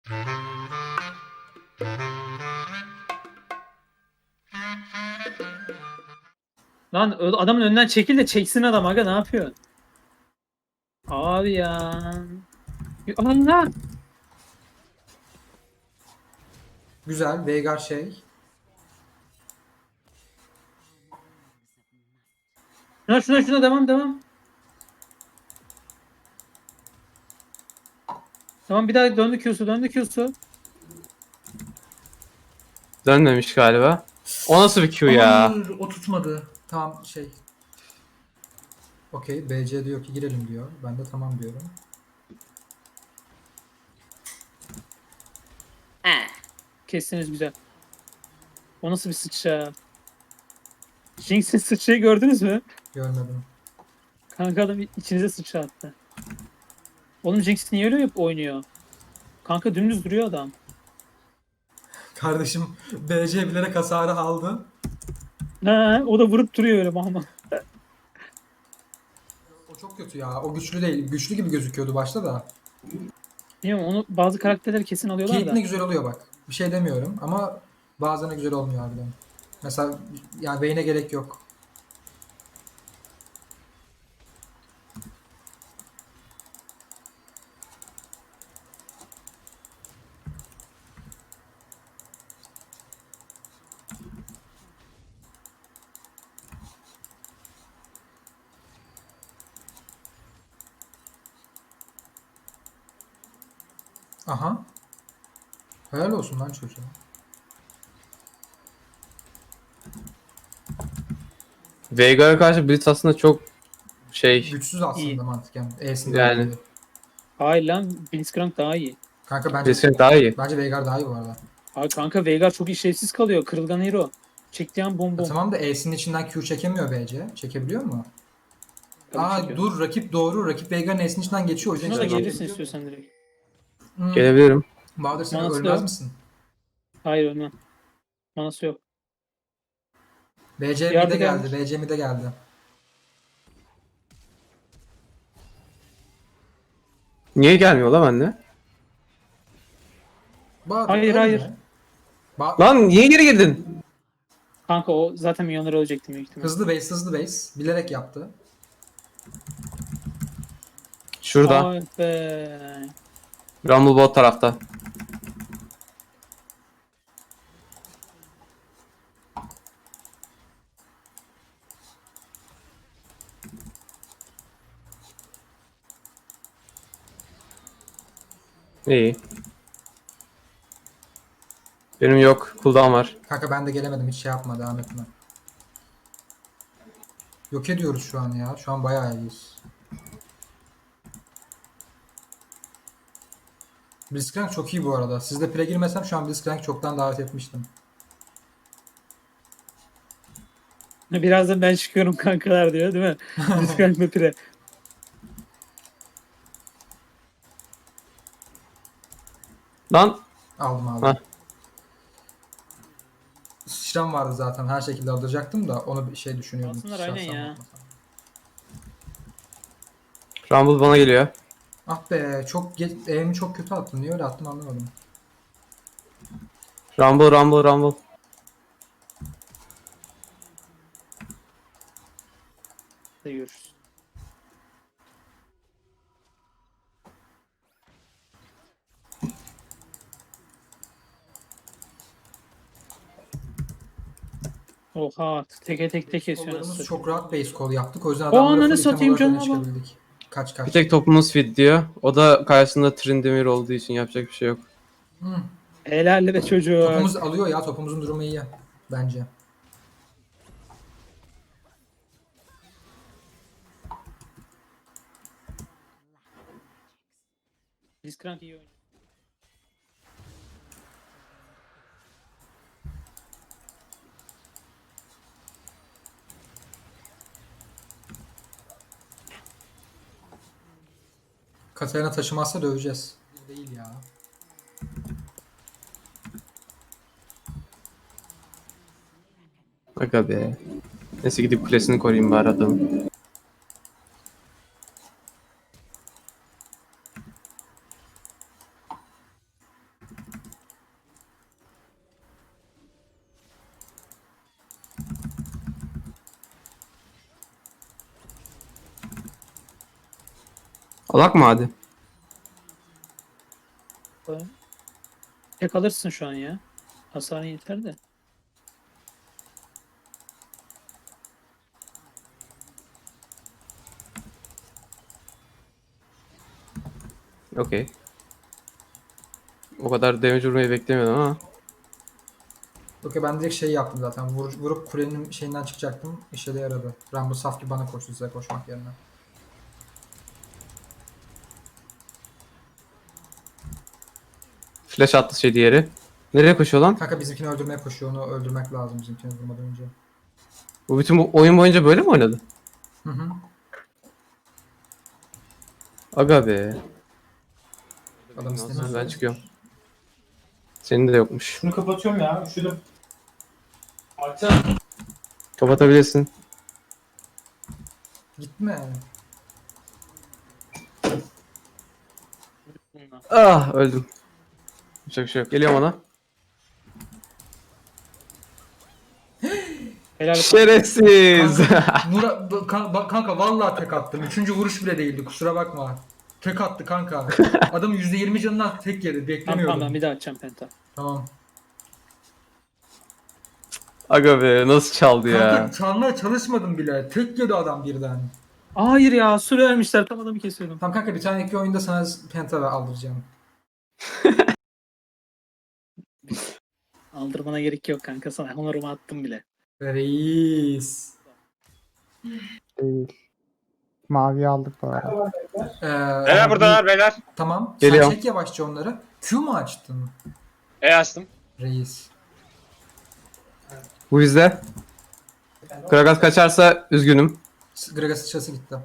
Lan adamın önünden çekil de çeksin adam aga, ne yapıyor? Abi ya. Allah. Güzel. Veigar şey. Şuna devam. Tamam, bir daha döndü Q'su. Dönmemiş galiba. O nasıl bir Q ya? Hayır, o tutmadı. Tamam şey. Okey. BC diyor ki girelim diyor. Ben de tamam diyorum. Kestiniz güzel. O nasıl bir sıçra? Jinx'in sıçrayı gördünüz mü? Görmedim. Kanka adam içinize sıçra attı. Oğlum Jinx niye öyle oynuyor? Kanka dümdüz duruyor adam. Kardeşim BC bilerek hasarı aldı. Ha, o da vurup duruyor öyle ama. O çok kötü ya. O güçlü değil. Güçlü gibi gözüküyordu başta da. Bilmiyorum, onu bazı karakterler kesin alıyorlar Caitlyn'e da. güzel oluyor bak. Bir şey demiyorum ama bazen de güzel olmuyor harbiden. Mesela yani Vayne'e gerek yok. Aha. Helal olsun lan çocuğa. Veigar'a karşı Blitz aslında çok şey Güçsüz aslında İyi. mantıken. E'sinde yani. olduğu gibi. Hayır lan, Blitzcrank daha iyi. Kanka Blitzcrank daha iyi. bence Veigar daha iyi bu arada. Abi kanka Veigar çok işlevsiz kalıyor. Kırılgan hero. Çektiği an bom Ya bom. tamam da E'sinin içinden Q çekemiyor BC. Çekebiliyor mu? Tabii Aa çekiyor. dur rakip doğru. Rakip Veigar'ın E'sinin içinden geçiyor. O yüzden Şuna da çekebiliyor. gelirsin istiyorsan direkt. Gelebilirim. Bahadır sen Manası da ölmez yok. misin? Hayır, ölmem. Manası yok. BC Yardı mid'e geldi. gelmiş. BC mid'e geldi. Niye gelmiyor lan bende? Bahadır Hayır, ölme. hayır. Lan niye geri girdin? Kanka o zaten milyonları ölecektim büyük ihtimal. Hızlı base. Bilerek yaptı. Şurada. Ay be. Rumble bot tarafta. İyi. Benim yok. Cooldown var. Kanka ben de gelemedim. Hiç şey yapma. Devam etme. Yok ediyoruz şu an ya. Şu an bayağı iyiyiz. Blitzcrank çok iyi bu arada. Sizde pre girmesem şu an Blitzcrank çoktan davet etmiştim. Birazdan ben çıkıyorum kankalar diyor değil mi? Blitzcrank ve pire. Lan. Aldım. Heh. Sıçram vardı zaten. Her şekilde alacaktım da onu bir şey düşünüyordum. Alsınlar, Sıçrarsam aynen ya. bakmasam. Rumble bana geliyor. Ah be çok aim'i çok kötü attım. Niye öyle attım anlamadım. Rumble. Görüşürüz. Oha, tek kesiyor Kollarımız nasıl? çok rahat base call yaptık. O yüzden O adamlara ananı full item satayım olarak öne canına bak. çıkabildik. Kaç. Bir tek topumuz fit diyor. O da karşısında Tryndamere olduğu için yapacak bir şey yok. Helal be çocuğu. Topumuz alıyor ya. Topumuzun durumu iyi. Bence. Blitzcrank iyi oynuyor. Katarina taşımazsa döveceğiz. Değil ya. Aga be. Neyse gidip kulesini koruyayım bari adamın. Alak mı hadi? Tek alırsın şu an ya. Hasarın yeter de. Okey. O kadar damage vurmayı beklemiyordum ama. Okey, ben direkt şey yaptım zaten. Vurup kulenin şeyinden çıkacaktım. İşe de yaradı. Rambo saf gibi bana koştu size koşmak yerine. Flash attı şey diğeri. Nereye koşuyor lan? Kanka bizimkini öldürmeye koşuyor. Onu öldürmek lazım bizimkini vurmadan önce. Bu bütün bu oyun boyunca böyle mi oynadı? Hı hı. Aga be. Adam istemiyor. Ben çıkıyorum. Senin de yokmuş. Şunu kapatıyorum ya. Üşüdüm. Açsana. Kapatabilirsin. Gitme. Bununla. Ah öldüm. Yapacak bir şey yok. Geliyorum ona. Helal olsun. Şerefsiz. Kanka vallahi tek attım. Üçüncü vuruş bile değildi, kusura bakma. Tek attı kanka. Adam %20 canından tek yedi. Tamam Beklemiyordum. tamam ben bir daha açacağım penta. Tamam. Aga be nasıl çaldı ya. Kanka çalmaya çalışmadım bile. Tek yedi adam birden. Hayır ya süre vermişler tam adamı kesiyordum. Tamam kanka, bir tane iki oyunda sana penta aldıracağım. Aldırmana gerek yok kanka, sana honorumu attım bile. Reis. Değil. Mavi aldık bu arada. Beyler buradalar beyler. Tamam. Geliyorum. Sen çek yavaşça onları. Q mu açtın? Açtım. Reis. Bu bizde. Kragas kaçarsa üzgünüm. Gragas sıçrası gitti.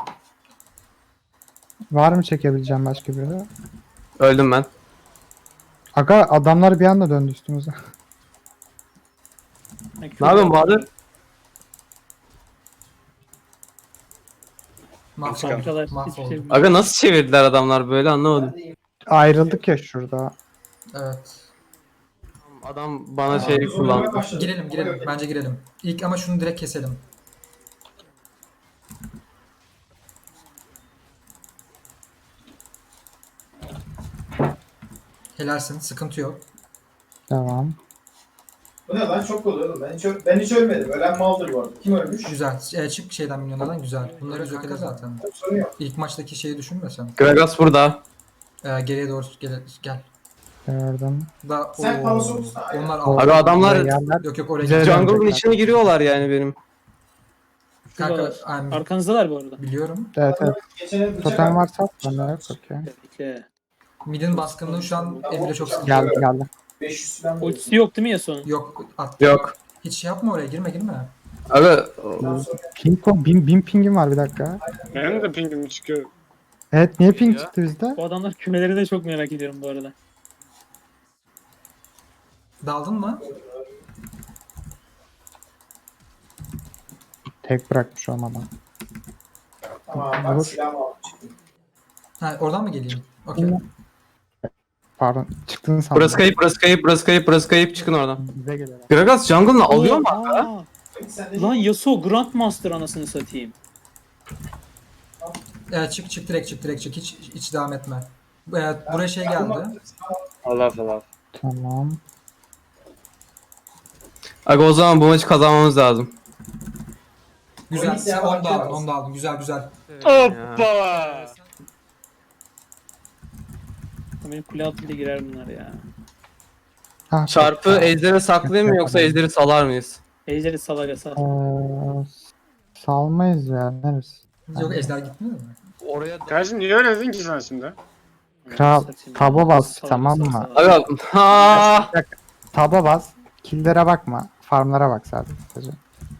Var mı çekebileceğim başka biri? Öldüm ben. Aga adamlar bir anda döndü üstümüze. Ne yapıyorsun Bahadır? Fabrikalar hiçbir şey Mahvolduk. bilmiyor. Aga nasıl çevirdiler adamlar böyle anlamadım. Ayrıldık ya şurada. Evet. Adam bana şey kullandı. Girelim. Bence girelim. İlk ama şunu direkt keselim. Helalsin. Sıkıntı yok. Devam. Bu ne lan, çok oluyor oğlum. Ben hiç ölmedim. Ölen maldır bu arada. Kim ölmüş? Güzel. Çık şeyden, milyonlardan güzel. Bunları biz yok ederiz zaten. Sorun yok. İlk maçtaki şeyi düşünme sen. Kragas burada. Geriye doğru gel. Gördüm. Sen Oo, Palas'ı olursun, aynen. onlar aldı. Aga adamlar Yerler Yok oraya Güzel. gel. jungle'ın içine giriyorlar yani benim. Kanka Şuradalar. Arkanızdalar bu arada. biliyorum. Evet. Geçene bıçak Totem aldım. varsa at bende yok okey. Bekle. Mid'in baskınlığı şu an Emre çok sıkıntı. Geldi. 500 falan. Ultisi yok değil mi Yasuo'nun? Yok at. Yok. Hiç şey yapma oraya, girme. Aga Bin pingim var bir dakika. Benim de pingim çıkıyor. Evet niye ping Ya. çıktı bizde? Bu adamlar kümeleri de çok merak ediyorum bu arada. Daldın mı? Tek bırakmış olmadan. Tamam ben Vur. silahımı aldım çıktım. Ha, oradan mı geleyim? Okey. Pardon çıktın sandım. burası kayıp çıkın oradan. Bize geliyorlar. Gragas jungle'ını alıyor mu? Aa, Sen de lan Yasuo Grandmaster anasını satayım. Çık direkt çık. Hiç devam etme. Buraya şey geldi. Allah Allah. Tamam. Aga o zaman bu maçı kazanmamız lazım. Güzel. Sen onu da aldın. Güzel. Hoppa. Benim kule altıyla girer bunlar ya. Ha, Çarpı ejderi saklayayım mı yoksa ejderi salar mıyız? Ejderi salaga sal. Salmayız ya. Neresi? Yok, ejder gitmiyor mu? Oraya Kardeşim niye öyle dedin ki sen şimdi? Kral, taba bas, Salaga tamam sal, mı? salaga. Aga ha. Taba bas. Kill'lere bakma. Farmlara bak sadece.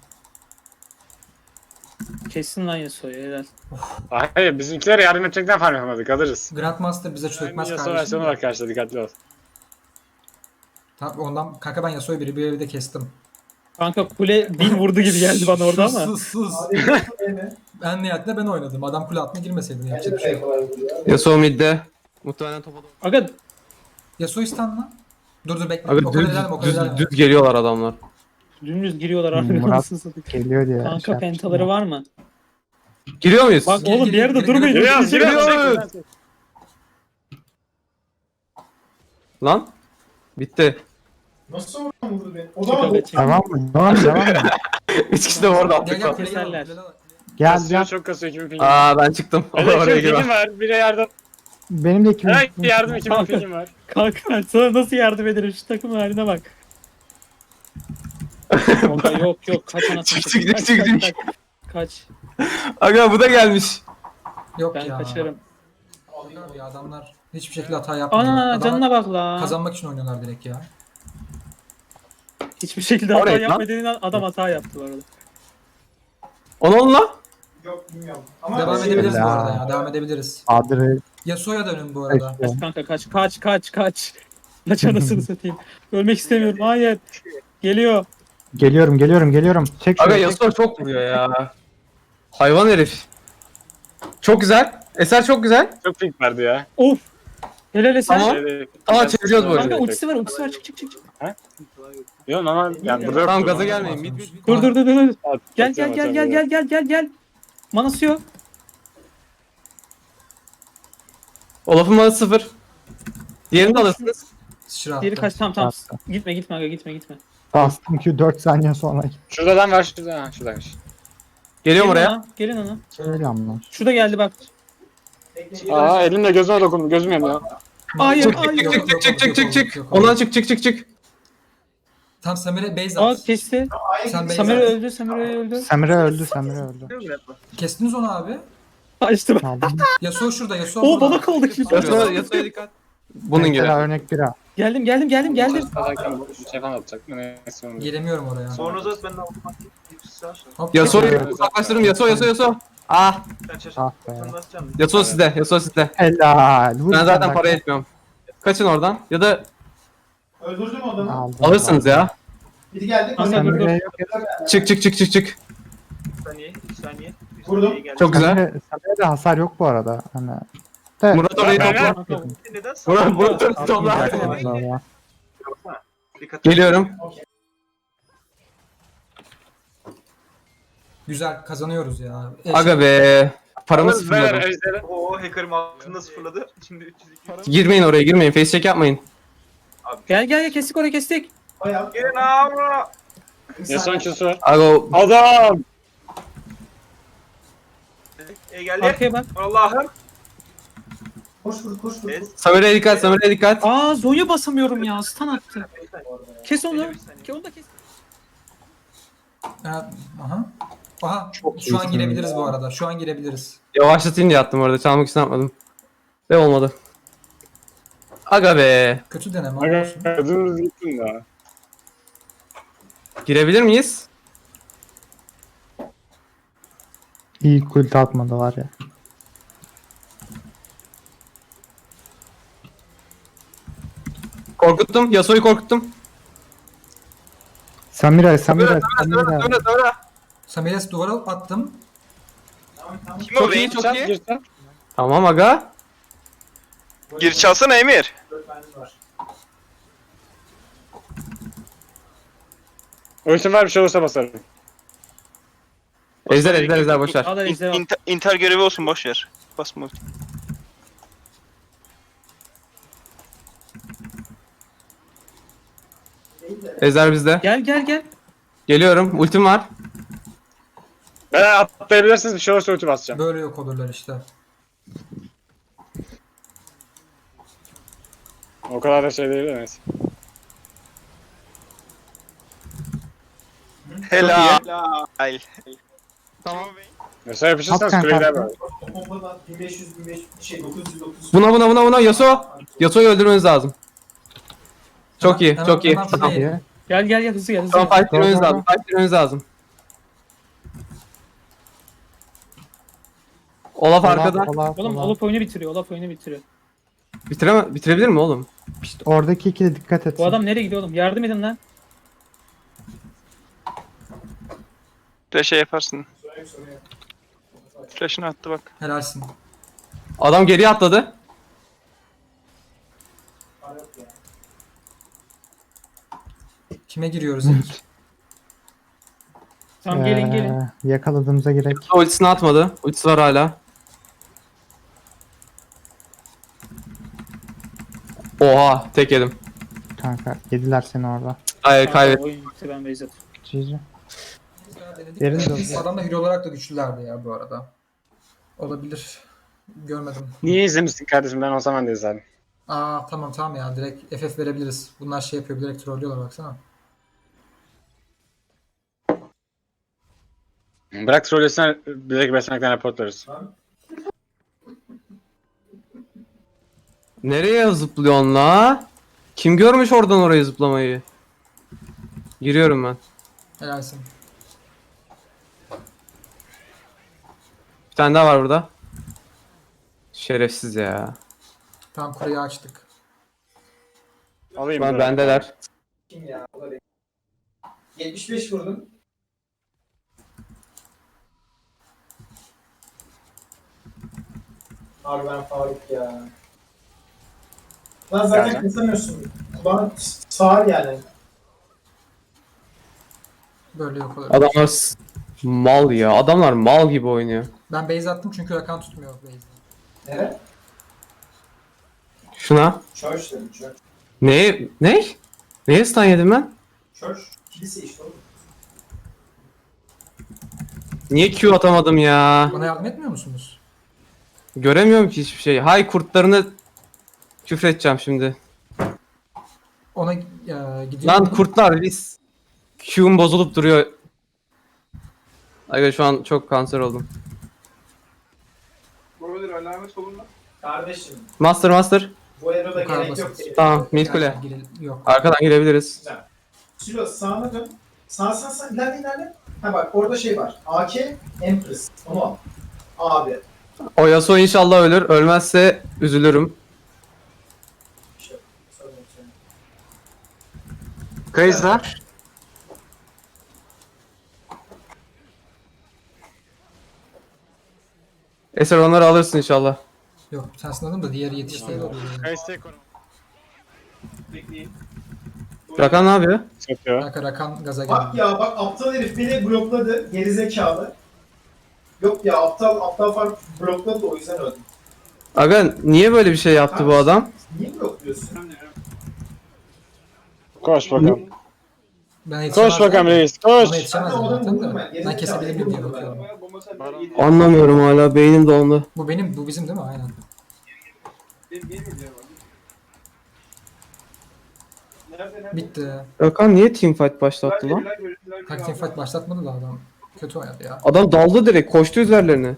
Kessin lan Yasuo'yu helal. Hayır bizimkilere yardım edecekten farm yapamadık alırız. Grandmaster bize çökmez Yasuo kardeşim. versiyonu var karşıda dikkatli ol. Tamam, ondan kanka ben Yasuo'yu bir evde kestim. Kanka kule 1000 vurdu gibi geldi bana orada ama. Sus. En nihayetinde ben oynadım. Adam kule altına girmeseydi yapacak bir şey yok. Yasuo midde. Muhtemelen topa doğru. Aga Yasuo istan lan. Dur bekle. Aga O kadar ilerleme, o kadar ilerleme. düz geliyorlar adamlar. dümdüz giriyorlar artık Murat anasını satayım. Geliyor diye. Kanka şey pentaları var mı? Giriyor muyuz? Bak Gir, oğlum gir, bir yerde gir, durmayın. gir, Giriyoruz, giriyoruz. Lan. Bitti. Nasıl oradan vurdu beni? O Çık da aga çık. Devam mı? Devam mı? Üç kişi de orada Gel attık. gel Keserler. kuleye gel. Gel Kasıyor, gel. çok kasıyor. 2000 pingim. Aa ben çıktım. Hele Oraya 2000 pingim girme. var. Bire yardım. Benim de 2000. Evet yardım 2000 pingim var. Kanka sana nasıl yardım ederim şu takım haline bak. Yok kaç anasını Çık, satayım. çık, çık, Kaç, çık. kaç. Aga bu da gelmiş. Yok Ben ya. kaçarım. Alıyor ya adamlar. Hiçbir şekilde hata yapmıyor. Ana Adamlar canına bak la. kazanmak için oynuyorlar direkt ya. Hiçbir şekilde hata Oraya lan. yapma dediğin an adam hata yaptı bu arada. Onu la. yok bilmiyorum. Ama Devam şey- edebiliriz bu ya. arada ya. Devam edebiliriz. Adre. Yasuo'ya dönün bu arada. işte. Kanka kaç. Kaç anasını satayım. Ölmek istemiyorum. Hayır. Geliyor. Geliyorum. Çek Aga şurayı. Yasuo çok vuruyor ya. Hayvan herif. Çok güzel. Eser çok güzel. Çok ping vardı ya. Of. Helal Eser. Tamam. Tamam, çeviriyoruz bu arada. Kanka ultisi var çık. Yok ama yani burada yok. Tamam gaza gelmeyin. Mid. Dur. At- Gel atıyorum. gel. Manası yok. Olaf'ın manası 0. Diğerini de alırsınız. Sıçra Diğeri attı. kaç tamam. Attı. Gitme aga gitme. Bastım ki 4 saniye sonra. Şurada adam var şurada. Ha şuradaymış. Geliyorum oraya. Gelin ana. Geliyorum lan. Şurada geldi bak. Aa elimle gözüme dokundum. Gözüm yanıyor. Hayır Çık hayır. yok, yok, yok, yok, çık. yok. Ondan çık. Tam Samir'e base Aa at. kesti. Sen base Samira at. öldü. Samira öldü. Kestiniz onu abi. Açtı bak. Aldım. Yasuo şurada. Yasuo Oo burada. bana kaldı ki. Yasuo'ya dikkat. Bunun gibi. Mesela örnek bira. Geldim. Zaten bu şey falan atacak. Neyse onu. Gelemiyorum oraya. Sonra da ben de otomatik Hop, Yasuo'yu Evet. uzaklaştırdım. Yasuo. Ah. Ah be. Yasuo sizde. Helal. Vur Ben sen zaten bak. para etmiyorum. Kaçın oradan. Ya da Öldürdüm adamı. Aldım. alırsınız ya. Biri geldi. Kanka, Kanka, dur. Samira'ya yok. Çık. saniye. Vurdum. Çok güzel. Samira'da hasar yok bu arada. Hani. De. Murat orayı Ben- topla. Neden? Murat orayı topla. Allah. Geliyorum. Güzel kazanıyoruz ya. Aga be. Paramı Beyler sıfırladım. ejderi. Oo hacker'ım altında sıfırladı. Şimdi 302. Girmeyin oraya girmeyin. Face check yapmayın. Gel kestik orayı kestik. Bayağı. Gelin abi. Ya son ikisi var. Aga o Adam! Geldi. Arkaya bak. Allah'ım. Koş vur. Evet. Samira'ya dikkat. Aa Zonya basamıyorum ya. Stun attı. Kes onu. Onu da kes. Aha. Aha. Çok Şu an iyisin girebiliriz bu arada. Şu an girebiliriz. Yavaşlatayım diye attım orada. Çalmak için yapmadım. Ve olmadı. Aga be. Kötü deneme Aga olsun. dümdüz gittin ya. Girebilir miyiz? İyi kult atmadı var ya. Korkuttum. Yasuo'yu korkuttum. Samira. Samira. Samir'e duvara attım. Kim Çok o iyi, be? çok Çal, iyi. gir çal. Tamam aga. Gir çalsana Emir. 4 tanesi var. Ultim var bir şey olursa basarım. Ejder boşver. Al da ejderha. Inter görevi olsun boş ver. Basma. Ejder bizde. Gel. Geliyorum. Ultim var. Ben atlayabilirsiniz bir şey olursa ulti basacağım. Böyle yok olurlar işte. O kadar da şey değil de neyse. Helal. Tamam. Mesela yapışırsanız Hakikaten kuleyi der kanka. böyle. O pompadan 1500 şey 900. Buna Yasuo. Yasuo'yu öldürmeniz lazım. Çok iyi. Hemen- Çok iyi. hemen Tamam. fırlayın. Gel hızlı gel. Tamam fight girmeniz Tamam. lazım. Fight girmeniz lazım. Olaf arkada. Oğlum Olaf oyunu bitiriyor. Bitirebilir mi oğlum? İşte oradaki ikili dikkat et. Bu adam nereye gidiyor oğlum? Yardım edin lan. Flash'e yaparsın. Flash'ını attı bak. Helalsin. Adam geriye atladı. Kime giriyoruz ilk? Tamam gelin gelin. Yakaladığımıza gerek. Ultisini atmadı. Ultisi var hala. Oha tek yedim. Kanka yediler seni orada. Hayır Kanka, kaybettim. oyun bitti ben base atıyorum. GG. Denedik. Derin de oldu. Adamlar hero olarak da güçlülerdi ya bu arada. Olabilir. Görmedim. Niye izlemişsin kardeşim? Ben o zaman da izledim. Aa tamam ya direkt FF verebiliriz. Bunlar şey yapıyor direkt trollüyorlar baksana. Bırak trollesine direkt beslemekten reportlarız. Nereye zıplıyorsun la? Kim görmüş oradan oraya zıplamayı? Giriyorum ben. Helalsin. Bir tane daha var burada. Şerefsiz ya. Tamam kureyi açtık. Alayım. Ben bunu. bendeler. Kim ya? O da benim. 75 vurdum. Abi ben Faruk ya. Lan zaten Yani. kesemiyorsun. Kulağın sağır yani. Böyle yok olur. Adamlar mal ya. Adamlar mal gibi oynuyor. Ben base attım çünkü Rakan tutmuyor base'de. Nere? Şuna. Church dedim church. Ne? Ne? Neye stun yedim ben? Church. Kilise işte oğlum. Niye Q atamadım ya? Bana yardım etmiyor musunuz? Göremiyorum ki hiçbir şey. Hay kurtlarını küfredeceğim şimdi. Ona gidiyor. Lan kurtlar biz. Q'm bozulup duruyor. Aga şu an çok kanser oldum. Kardeşim Master. bu eroda Bu kadar gerek yok. basit. dedi. Tamam mid kule. Yok. Arkadan girebiliriz. Silo sağına dön. Sağ ilerle. Ha bak orada şey var. AK Empress. Onu al. Abi. O Yasuo inşallah ölür. Ölmezse üzülürüm. İşte, sorun yok senin. Kayızda. Eser onları alırsın inşallah. Yok sensin adım da diğeri yetişti. Kayızda koru. Rakan ne yapıyor? Satıyor. Kanka Rakan gaza Bak geldi. ya bak aptal herif beni blokladı. Gerizekalı. Yok ya aptal fark blokladı da o yüzden öldüm. Aga niye böyle bir şey yaptı bu adam? Niye blokluyorsun? Koş bakalım. Ben yetişemezdim. Koş bakalım reis. Koş. Bana yetişemezdim Ben de zaten vurdum de. ben. Ben kesebilir miyim diye bakıyorum. Anlamıyorum hala. Beynim dondu. Bu bizim değil mi? Aynen. Bitti. Rakan niye teamfight başlattı lan? Kanka teamfight başlatmadı da adam. Kötü oynadı ya. Adam daldı direkt. Koştu üzerlerine.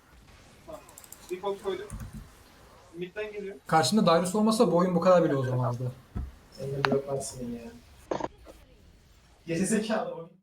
Karşımda Darius olmasa bu oyun bu kadar bile o zamandı. Seni de bloklarsın ya. Gerizekalı o.